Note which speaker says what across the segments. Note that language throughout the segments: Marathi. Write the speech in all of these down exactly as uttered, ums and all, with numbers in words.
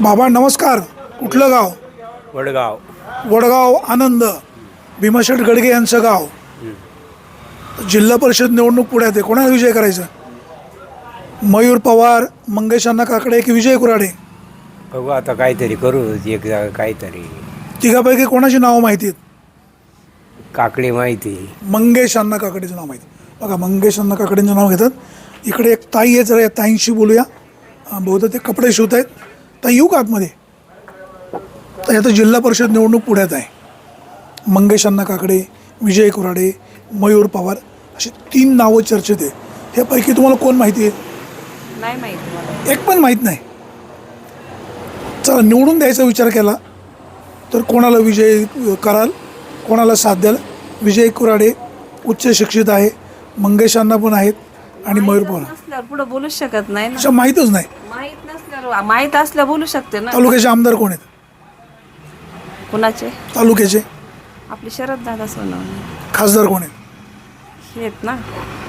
Speaker 1: बाबा नमस्कार. कुठलं गाव?
Speaker 2: वडगाव.
Speaker 1: वडगाव आनंद. भीमाशेठ गडगे यांचं गाव. जिल्हा परिषद निवडणूक पुढ्यात आहे. कोणाला विजय करायचा? मयूर पवार, मंगेश अण्णा काकडे की विजय कुराडे?
Speaker 2: बघू आता काहीतरी करू एक जागा काहीतरी.
Speaker 1: तिघापैकी कोणाची नावं माहिती आहेत?
Speaker 2: काकडे माहिती.
Speaker 1: मंगेश अण्णा काकडेचं नाव माहिती. बघा मंगेश अण्णा काकडेंचं नाव घेतात. इकडे एक ताई आहे, जरा या ताईंशी बोलूया. अं, बहुधा ते कपडे शिवत आहेत. ताई येऊ का आतमध्ये? तर आता जिल्हा परिषद निवडणूक पुढ्यात आहे. मंगेश अण्णा काकडे, विजय कुराडे, मयूर पवार अशी तीन नावं चर्चेत आहे. ह्यापैकी तुम्हाला कोण माहिती आहे?
Speaker 3: नाही माहिती मला.
Speaker 1: एक पण माहीत नाही. चला निवडून द्यायचा विचार केला तर कोणाला विजय कराल, कोणाला साथ द्याल? विजय कुराडे उच्च शिक्षित आहे, मंगेश अण्णा पण आहेत आणि मयूर पवार.
Speaker 3: नसल्यावर पुढे बोलूच शकत नाही ना.
Speaker 1: अशा माहीतच नाही.
Speaker 3: माहित नसल्यावर माहित असल्या बोलू शकते ना.
Speaker 1: तालुक्याचे आमदार कोण आहेत?
Speaker 3: कुणाचे?
Speaker 1: तालुक्याचे
Speaker 3: आपले शरद दादा सोनवणे
Speaker 1: खासदार कोण आहेत?
Speaker 3: हे आहेत ना,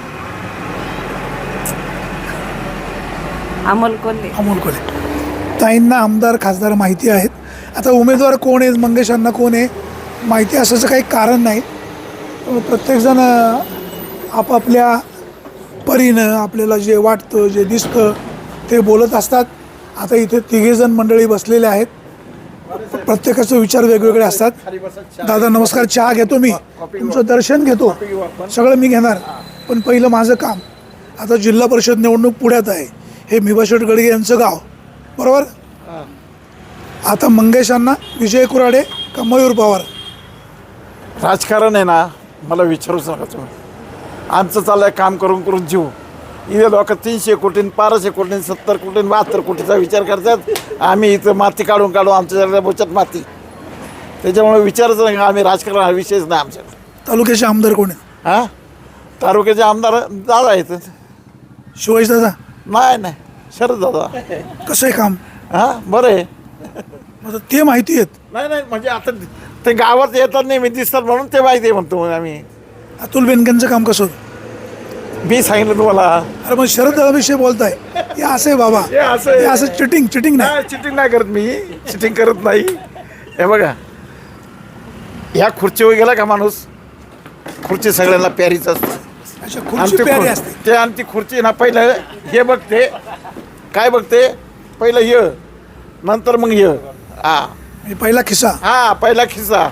Speaker 3: अमोल कोल्हे.
Speaker 1: अमोल कोल्हे. ताईंना आमदार खासदार माहिती आहेत. आता उमेदवार कोण आहेत, मंगेश अण्णा कोण आहे माहिती असायचं काही कारण नाही. प्रत्येकजण आपापल्या परीनं आपल्याला जे वाटतं जे दिसतं ते बोलत असतात. आता इथे तिघेजण मंडळी बसलेले आहेत. प्रत्येकाचे विचार वेगवेगळे असतात. दादा नमस्कार. चहा घेतो मी, तुमचं दर्शन घेतो, सगळं मी घेणार. पण पहिलं माझं काम. आता जिल्हा परिषद निवडणूक पुढ्यात आहे. हे भीमाशेठ गडगे यांचं गाव, बरोबर? आता मंगेश अण्णा, विजय कुराडे का मयूर पवार?
Speaker 4: राजकारण आहे ना, मला विचारूच नका तुम्ही. आमचं चाललंय काम करून करून जीव. इथे लोक तीनशे कोटी बाराशे कोटी सत्तर कोटी बहात्तर कोटीचा विचार करतात. आम्ही इथं माती काढून काढून आमच्या बचत माती. त्याच्यामुळे विचारच नाही. आम्ही राजकारण हा विषयच नाही आमच्याकडे.
Speaker 1: तालुक्याचे आमदार कोण आहेत?
Speaker 4: हां, तालुक्याचे आमदार दादा आहेत.
Speaker 1: शिवाजी दादा?
Speaker 4: नाही नाही, शरद दादा.
Speaker 1: कसं आहे काम?
Speaker 4: हां, बरं आहे.
Speaker 1: आता ते माहिती आहेत.
Speaker 4: नाही नाही, म्हणजे आता ते गावात येतात नाही, मी दिसतात म्हणून ते माहिती आहे म्हणतो आम्ही.
Speaker 1: अतुल बेनकेंचं काम कसं होतं?
Speaker 4: मी सांगितलं तुम्हाला.
Speaker 1: अरे मग शरद दादाविषयी बोलताय. हे असं आहे बाबा,
Speaker 4: हे असं आहे.
Speaker 1: हे असं चिटिंग चिटिंग नाही.
Speaker 4: नाही, चिटिंग नाही करत मी. चिटिंग करत नाही. हे बघा, ह्या खुर्चीवर गेला का माणूस, खुर्ची सगळ्यांना प्यारीच असते.
Speaker 1: अशा
Speaker 4: आणि
Speaker 1: खुर्ची
Speaker 4: ती
Speaker 1: प्यारी
Speaker 4: खुर-
Speaker 1: असते.
Speaker 4: ते आणि ती खुर्ची ना पहिलं हे बघते काय बघते, पहिलं य नंतर मग य. हा
Speaker 1: म्हणजे पहिला खिस्सा.
Speaker 4: हा पहिला खिस्सा.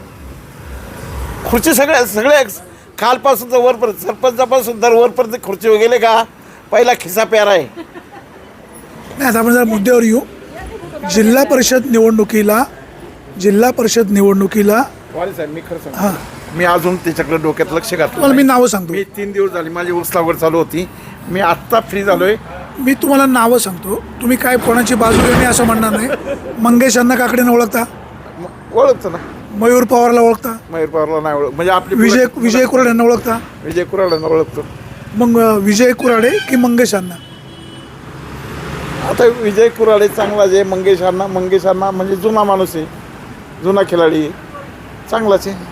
Speaker 4: खुर्ची सगळ्या सगळ्या खालपासून तर वरपर्यंत, सरपंचापासून तर वरपर्यंत खुर्चीवर गेले का पहिला खिस्सा प्यारा आहे.
Speaker 1: नाही आता आपण जरा मुद्द्यावर येऊ. जिल्हा परिषद निवडणुकीला जिल्हा परिषद निवडणुकीला
Speaker 4: साहेब मी खरं
Speaker 1: हां,
Speaker 4: मी अजून त्याच्याकडे डोक्यात लक्ष घातलं
Speaker 1: तुम्हाला मी नावं सांगतो.
Speaker 4: मी तीन दिवस झाले माझी ऊस लागवड चालू होती. मी आत्ता फ्री झालोय.
Speaker 1: मी तुम्हाला नावं सांगतो. तुम्ही काय कोणाची बाजू घेणे असं म्हणणार नाही. मंगेश अण्णा काकडेंना ओळखता?
Speaker 4: ओळखतो ना.
Speaker 1: मयूर पवारला ओळखता?
Speaker 4: मयूर पवारला नाही ओळख, म्हणजे आपली
Speaker 1: विजय विजय कुराडे यांना ओळखता?
Speaker 4: विजय कुराडांना ओळखतो.
Speaker 1: मग अं, विजय कुराडे की मंगेश अण्णा?
Speaker 4: आता विजय कुराडे चांगलाच आहे. मंगेश अण्णा मंगेश अण्णा म्हणजे जुना माणूस आहे, जुना खिलाडी आहे, चांगलाच आहे.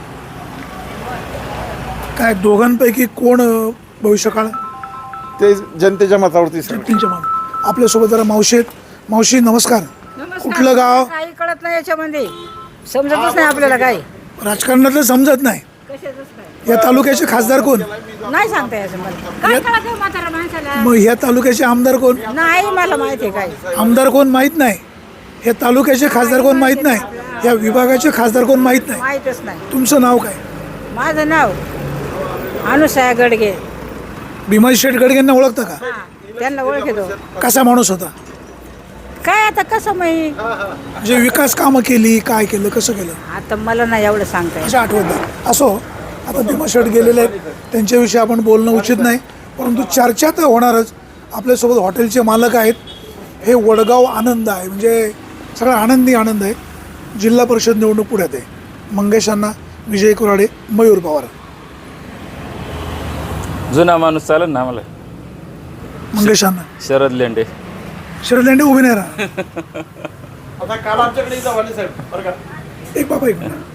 Speaker 1: काय दोघांपैकी कोण अं, भविष्यकाळ?
Speaker 4: ते जनतेच्या मतावरती सगळं.
Speaker 1: त्यांच्या मान. आपल्यासोबत जरा मावशी आहेत. मावशी नमस्कार. कुठलं गाव?
Speaker 5: काही कळत नाही याच्यामध्ये, समजतच नाही आपल्याला काही.
Speaker 1: राजकारणातलं समजत नाही.
Speaker 5: कशाचंच नाही.
Speaker 1: या तालुक्याचे खासदार कोण?
Speaker 5: नाही सांगता याचं मला. काय कळत आहे म्हातारा माणसाला?
Speaker 1: मग ह्या तालुक्याचे आमदार कोण?
Speaker 5: नाही मला माहिती आहे काय.
Speaker 1: आमदार कोण माहीत नाही. हे तालुक्याचे खासदार कोण माहीत नाही. या विभागाचे खासदार कोण माहीत नाही.
Speaker 5: माहीतच नाही.
Speaker 1: तुमचं नाव काय?
Speaker 5: माझं नाव अनुसया गडगे.
Speaker 1: भीमाशेठ गडगेंना ओळखता का?
Speaker 5: हा, त्यांना ओळखतो.
Speaker 1: कसा माणूस होता?
Speaker 5: काय आता कसं माही,
Speaker 1: म्हणजे विकास कामं केली, काय केलं, कसं केलं
Speaker 5: आता मला नाही एवढं सांगता येत.
Speaker 1: असं आठवत नाही. असो, आता भीमाशेठ गेलेले आहेत, त्यांच्याविषयी आपण बोलणं उचित नाही. परंतु चर्चा तर होणारच. आपल्यासोबत हॉटेलचे मालक आहेत. हे वडगाव आनंद आहे, म्हणजे सगळा आनंदी आनंद आहे. जिल्हा परिषद निवडणूक पुढ्यात आहे. मंगेश अण्णा, विजय कुराडे, मयूर पवार.
Speaker 6: जुना माणूस चालेल ना आम्हाला.
Speaker 1: मंगेश अण्णा.
Speaker 6: शरद लेंडे.
Speaker 1: शरद लेंडे उभे नाही राहा.
Speaker 4: आता काल आमच्याकडे इथं वाले साहेब बरं का,
Speaker 1: एक बाबा एक मिनिट.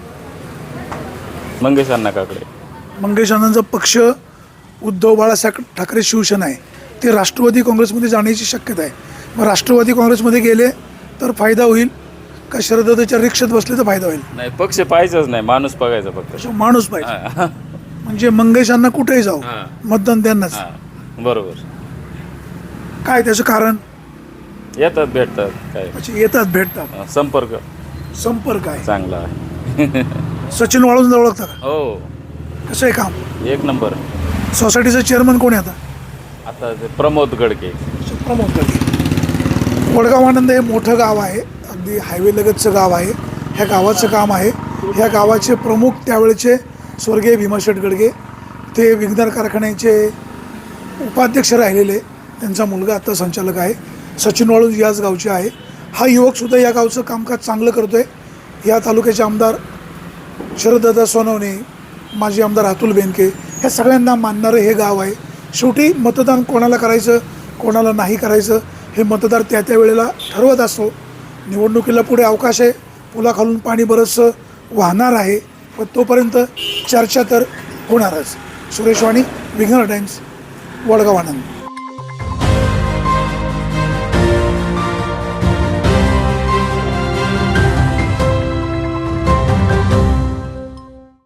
Speaker 6: मंगेश अण्णा काकडे.
Speaker 1: मंगेश अण्णांचा पक्ष उद्धव बाळासाहेब ठाकरे शिवसेना आहे. ते राष्ट्रवादी काँग्रेसमध्ये जाण्याची शक्यता आहे. मग राष्ट्रवादी काँग्रेसमध्ये गेले तर फायदा होईल का शरदत्ताच्या रिक्षेत बसले तर फायदा होईल?
Speaker 6: नाही पक्ष पाहायचंच नाही, माणूस बघायचा फक्त.
Speaker 1: अशा माणूस पाहिजे.
Speaker 6: हा,
Speaker 1: म्हणजे मंगेशांना कुठेही जाऊ
Speaker 6: हा.
Speaker 1: मतदान त्यांनाच.
Speaker 6: हा, बरोबर.
Speaker 1: काय त्याचं कारण?
Speaker 6: येतात भेटतात काय.
Speaker 1: म्हणजे येतात भेटतात,
Speaker 6: हा, संपर्क
Speaker 1: संपर्क आहे.
Speaker 6: चांगला आहे.
Speaker 1: सचिन वाळूंज ओळखता का?
Speaker 6: हो,
Speaker 1: कसं आहे काम?
Speaker 6: एक नंबर.
Speaker 1: सोसायटीचं चेअरमन कोण आहे आता?
Speaker 6: आता ते प्रमोद गडके.
Speaker 1: प्रमोद गडके. वडगाव आनंद हे मोठं गाव आहे, अगदी हायवे लगतचं गाव आहे. ह्या गावाचं काम आहे. ह्या गावाचे प्रमुख त्यावेळेचे स्वर्गीय भीमाशेठ गडगे, ते विघ्नर कारखान्याचे उपाध्यक्ष राहिलेले. त्यांचा मुलगा आता संचालक आहे. सचिन वाळूंज याच गावचे आहे. हा युवकसुद्धा या गावचं कामकाज चांगलं करतो आहे. या तालुक्याचे आमदार शरददादा सोनवणे, माजी आमदार अतुल बेनके, ह्या सगळ्यांना मानणारं हे गाव आहे. शेवटी मतदान कोणाला करायचं कोणाला नाही करायचं हे मतदार त्या त्या वेळेला ठरवत असतो. निवडणुकीला पुढे अवकाश आहे, पुलाखालून पाणी बरंचसं वाहणार आहे, पण तोपर्यंत चर्चा तर होणारच. सुरेश वाणी, विघ्नर टाइम्स, वडगाव आनंद.